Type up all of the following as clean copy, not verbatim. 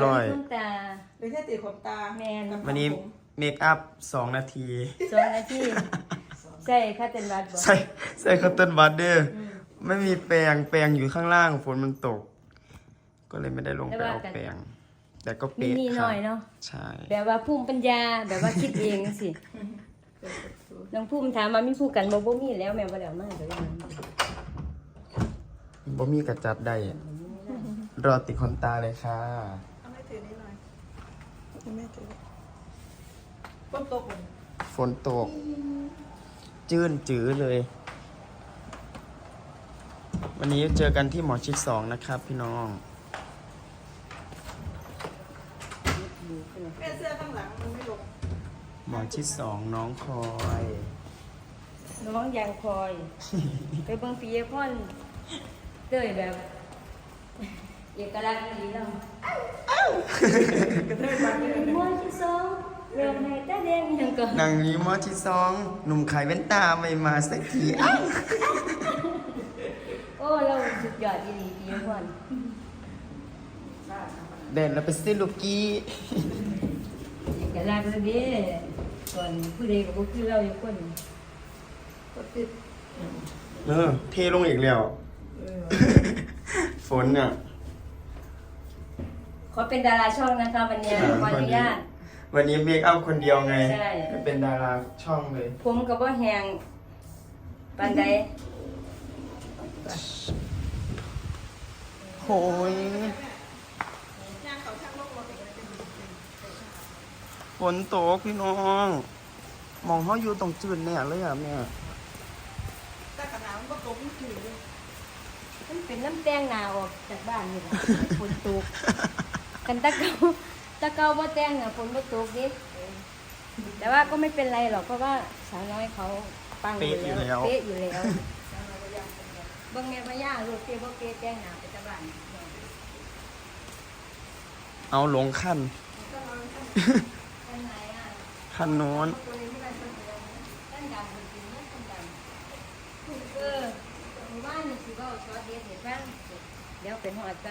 ร้อยคุณตาเป็นแค่ติดขนตาแมนวันนี้เมคอัพ2 นาที 2 นาทีใช่ค่ะเต็นวัดบ่ใส่คอตตอนบัดเด้อไม่มีแปรงอยู่ข้างล่างฝนมันตก ก็เลยไม่ได้ลงไปเอาแปรงแต่ก็มีเป๊ะนี่หค่ะน่อยเนาะใช่แบบว่าภูมิปัญญาแบบว่าคิดเองสิน้องภูมิถามมามีผู้กันบ่มีแล้วแม่บ่ได้เอามาเดี๋ยวยังบ่มีกระจัดได้รอติดขนตาเลยค่ะเอาไม่ถือนี่หน่อยไม่ถือต้นโตกฝนตก จื้นจื้อเลย วันนี้เจอกันที่หมอชิด2นะครับพี่น้องแม่เสื้อข้างหลังมันไม่ลงหมอชิด2น้องคอยน้องยังคอย ไปเบิ่งปียพรเต้ยแบบเอกลักษณ์ดีเนาะกระเทยมาเลยมวยที่สองเริ่มให้ตาแดงยังก็นางนี้หมอชิด2หนุ่มขายแว่นตาไม่มาสักทีอ้าวโอ้เราสุดยอดอีหลีปียพรเด่นแล้วไปซื้อลูกกี้เอกลักษณ์เลยเด้ก่อนผู้ใดก็บ่คือเราอยู่คนก็ติดเทลงอีกแล้ว ฝนเนี่ยขอเป็นดาราช่องนะคะวันนี้ขออนุญาตวันนี้เมคอัพคนเดียวไงใช่ไม่เป็นดาราช่องเลยผมก็บ่แหงปานใดโอ้ยย่างเขาช่างโลกรถอีกเลยฝนตกพี่น้อง มองเขาอยู่ตรงจืดเนี่ยเลยอ่ะแม่แต่ขนาดมันก็ตกมันถือเลยมันเป็นน้ำแตงหนาออกจากบ้านนี่แหละฝนตกกันตะเกาบ่แตงน่ะฝนบ่ตกดิแต่ว่าก็ไม่เป็นไรหรอกเพราะว่าสาวน้อยเขาปังอยู่แล้วเป๊ะอยู่แล้วเบิ่งแม่พญาลูกเป๊ะบ่เป๊ะแตงหนาไปจากบ้านเอาหลงขั้นอันไหนอ่ะขั้นโน้นตัวนี้ไม่ได้ต้นอะไรนะต้นดำจริงๆนะต้นดำหมู่บ้านนี่สิเว้าซอสเด็ดเห็นบ้างเดี๋ยวเป็นหอดกัน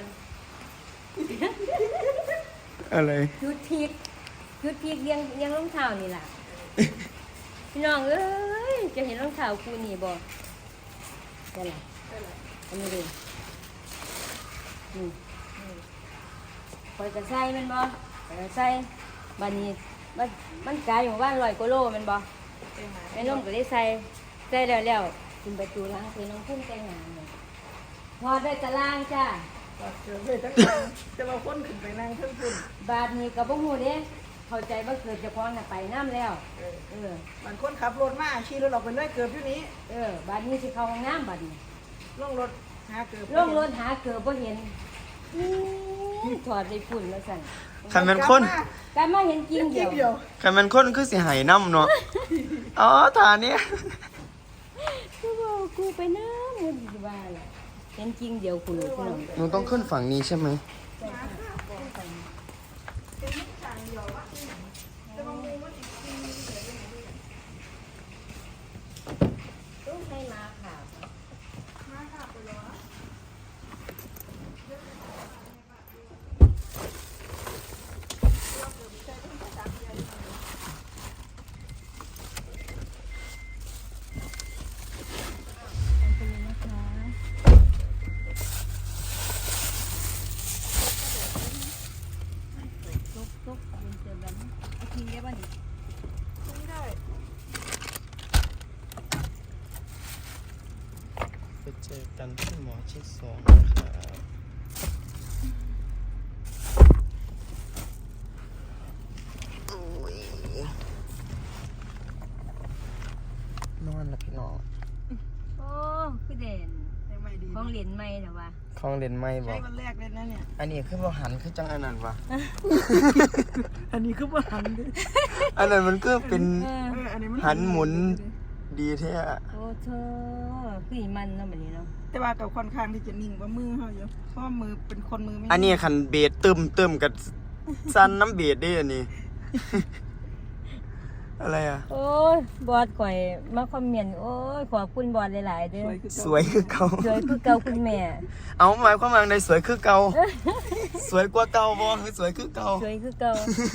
อะไรยุดพีกเลี้ยงรองเท้านี่ล่ะ พี่น้องเอ้ยจะเห็นรองเท้าคู่นี่บ่ได้ล่ะอันนี้ดินี่คอยจะใส่แมันบ่คอยจะใส่บัดนี้มันกลายอยู่บ้าน100 กว่าโลแมันบ่แม่นมก็ได้ใส่แล้วกินประตูล้างคือน้องพุ่มแต่งงานเนี่ยพอได้ตารางจ้าเจอเลยทั้งวันจะมาพ้นขึ้นไปนั่งเครื่องขึ้นบาทนี้ก็บ่ฮู้เด้เข้าใจว่าเกิดเฉพาะน่ะไปน้ำแล้วบางคนขับรถมาขี่รถออกไปเลยเกือบอยู่นี้บาดนี้สิเข้าห้องน้ำบาดนี้ลงรถหาเกือบลงรถหาเกือบบ่เห็นถอดไปฝุ่นแล้วสั่นคันเป็นคนแต่มาเห็นจริงเดีเกี่ยยว วเดียวคันเป็นคนคือสิหายน้ำเนาะ อ๋อฐานเนี้ยกูบอกกูไปน้ำมันสิว่าแหละเห็นจริงเดียวคุณลูกพี่น้องหนูต้องขึ้นฝั่งนี้ใช่ไหมต้องให้มาค่ะตุ๊กเป็นเจอแบบนี้เอาทิ้งได้ป่ะนี่ไม่ได้ไปเจอกันที่หมอชิด2นะครับโอ้ยนอนแล้วพี่น้องโอ้คือเด่นยังไม่ดีของเหรียญไม่เหรอวะคลองเล่นไม่บอใช้กวันแรกเลยนะเนี่ยอันนี้คือบ่หันคือจังอันนั้นวะอันนี้คือว่าหันดิอันนั้นมันก็เป็นอันนี้มันหันหมุนดีแท้โอ้เธอคืออีมันเนาะแบบนี้เนาะแต่ว่ากับค่อนข้างที่จะนิ่งกว่ามือเขาอยู่เพราะว่ามือเป็นคนมือไม่อันนี้คันเบสตึมกับสั้นน้ำเบสได้อันนี้อะไรอ่ะโอ้ยบอดข่อยมาคอมเมนต์โอ้ยขอบคุณบอดหลายๆเด้อสวยคือเก่าสวยคือเก่าคุณแม่เอาหมายความว่าในสวยคือเก่า สวยกว่าเก่าบ่คือสวยคือเก่าสวยคือเก่า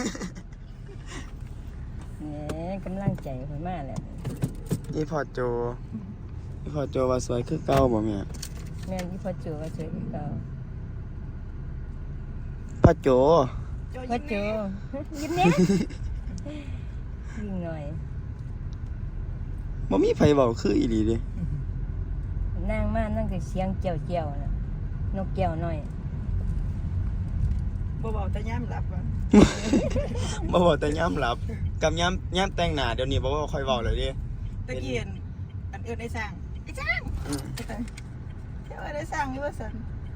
แหมกำลังใจข่อยมากแหละอีพอโจว่าสวยคือเก่าบ่แม่แม่นที่พ่อโจว่าสวยคือเก่าพ่อโจพ่อโจยิ้มแน่ยิ่งหน่อยบ่มีไผเว้าคืออีหลีเด้นั่งมานั่งก็เสียงเจียวๆน่ะนกแก้วน้อยบ่เบาแต่ย่ำหลับว่ะบ่เว้าแต่ยามหลับ กับยามแต่งหน้าเดี๋ยวนี้บ่เว้าค่อยเว้าเลยเด้ตะเกียนอันเอิ้นไอ้สร้างไอ้สร้างอืมเที่ยวไอ้สร้างนี่ว่าซั่น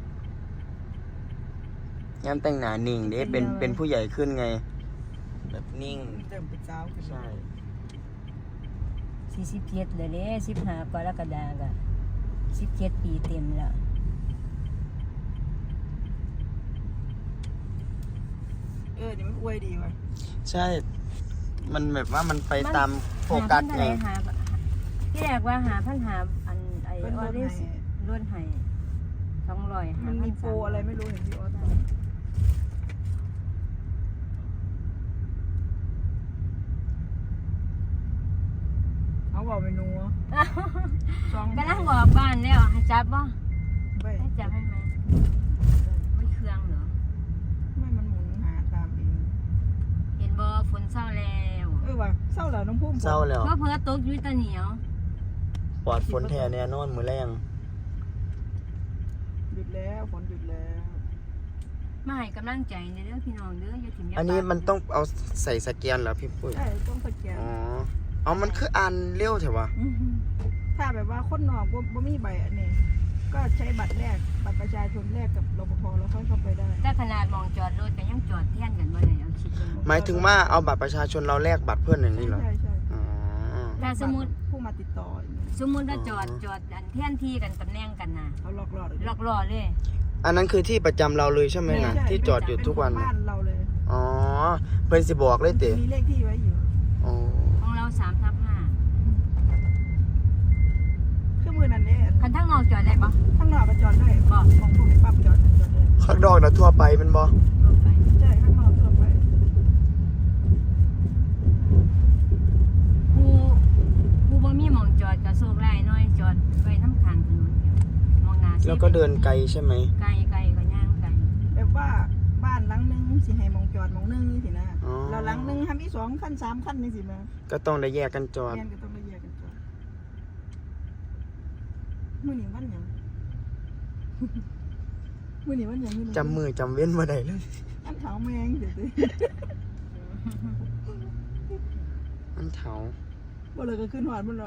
ยามแต่งหน้านิ่งเด้เป็นผู้ใหญ่ขึ้นไง แบบนิ่งเริ่มเป็นสาวขึ้นใช่ 47เลยเด้15กรกฎาคมก็17 ปีเต็มแล้วนี่มันอวยดีว่ะใช่ มันแบบว่ามันไปตามโฟกัสไงที่แรกว่าหาพันหาอันไอ้เพิ่นออลดเดให้ล้วนให้200หามันพัมีนโปรอะไรไม่รู้เห็นพี่ออสเอาบอกเมนูสองกำลังบอกบ้านแล้วให้จับบ่ไม่ให้จับให้ไหมไม่เครื่องเหรอไม่มันหมุนหาตามเองเห็นบ่ฝนเศร้าแล้วว่ะเศร้าแล้วน้องพุ่มเศร้าแล้วก็เพิ่อตกอยู่แตะเหนียวปลอดฝนแท้แน่นอนมื้อแรงหยุดแล้วฝนหยุดแล้วมาให้กำลังใจเด้อพี่น้องเด้ออย่าถิ่มอย่าอันนี้ปามันต้องเอาใส่สแกนเหรอพี่ปุ้ยใช่ต้องสแกนอ๋อ เอามันคืออ่านเร็วเถอะวะถ้าแบบว่าคนนอกบ่มีใบอันนี้ ก็ใช้บัตรแรกบัตรประชาชนแรกกับรปภแล้วค่อยเข้าไปได้แต่ขนาดมองจอดรถก็ยังจอดแท่นกันบ่ได้เอาคิดดูหมายถึงว่าเอาบัตรประชาชนเราแลกบัตรเพื่อนอย่างนี้เหรอใช่ใช่อ๋อถ้าสมมุติผู้มาติดต่ออย่างนี้สมมุติว่าจอดอันแท่นที่กันตำแหน่งกันน่ะเขาหลอกหลอดหลอกล่อเลยอันนั้นคือที่ประจำเราเลยใช่ไหมนะใช่ที่จอดอยู่ทุกวันบ้านเราเลยอ๋อ เพื่อนสิบอกเลยเต๋มีเลขที่ไว้อยู่อ๋อของเรา3/5 เครื่องมือนั่นเนี่ยคันทั้งนอกจอดได้ปะข้างนอกก็จอดได้บอกของพวกนี้ปั๊บจอดได้ข้างนอกนะทั่วไปเป็นบอลงไปใช่ข้างนอกทั่วไปผู้บ่มีหมองจอดก็โชคร้ายหน่อยจอดไว้น้ำทางถนนมองหน้าแล้วก็เดินไกลใช่ไหมไกลก็ย่างไกลแบบว่าบ้านหลังนึงสิให้มองจอดมองนึงนี่สินะอ๋อแล้วหลังนึงทำอีก2 ขั้น 3 ขั้นนี่สิมาก็ต้องได้แยกกันจอดแม่นก็ต้องมาแยกกันจอดมื้อนี้วันหยัง มื้อนี้วันหยังมื้อนี้จำมือจำเว้นมาได้เลยอันเท้าแมงเดี๋ยวสิอันเถาบ่เลยก็ขึ้นหอดมันละ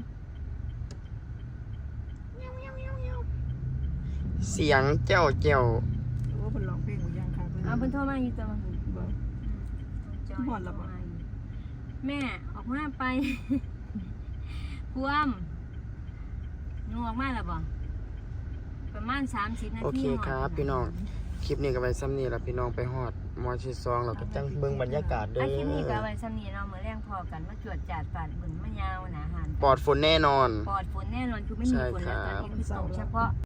เสียงเจ้าเจ้าหรือว่าเพิ่นร้องเพลงหรือยังค่ะเอาเพิ่นโทรมาอยู่ตัวบ่ หอดแล้วบ่แม่ออกมาไป พวมหนูออกมาแล้วบ่ประมาณ30 นาทีโอเคครับพี่น้อง คลิปนี้ก็ไปซ้ำนี่แล้วพี่น้องไปฮอดมอชิซองเราก็จังเบิ่งบรรยากาศเด้คลิปนี้ก็อเอาไว้ซ้ำนี้เนาะมื้อแรงพอกันมาจวดจาดปาดบึงมะยาวหนาหานปลอดฝนแน่นอนปลอดฝนแน่นอนคือไม่มีฝนแล้วตอนนี้คือตกเฉพาะ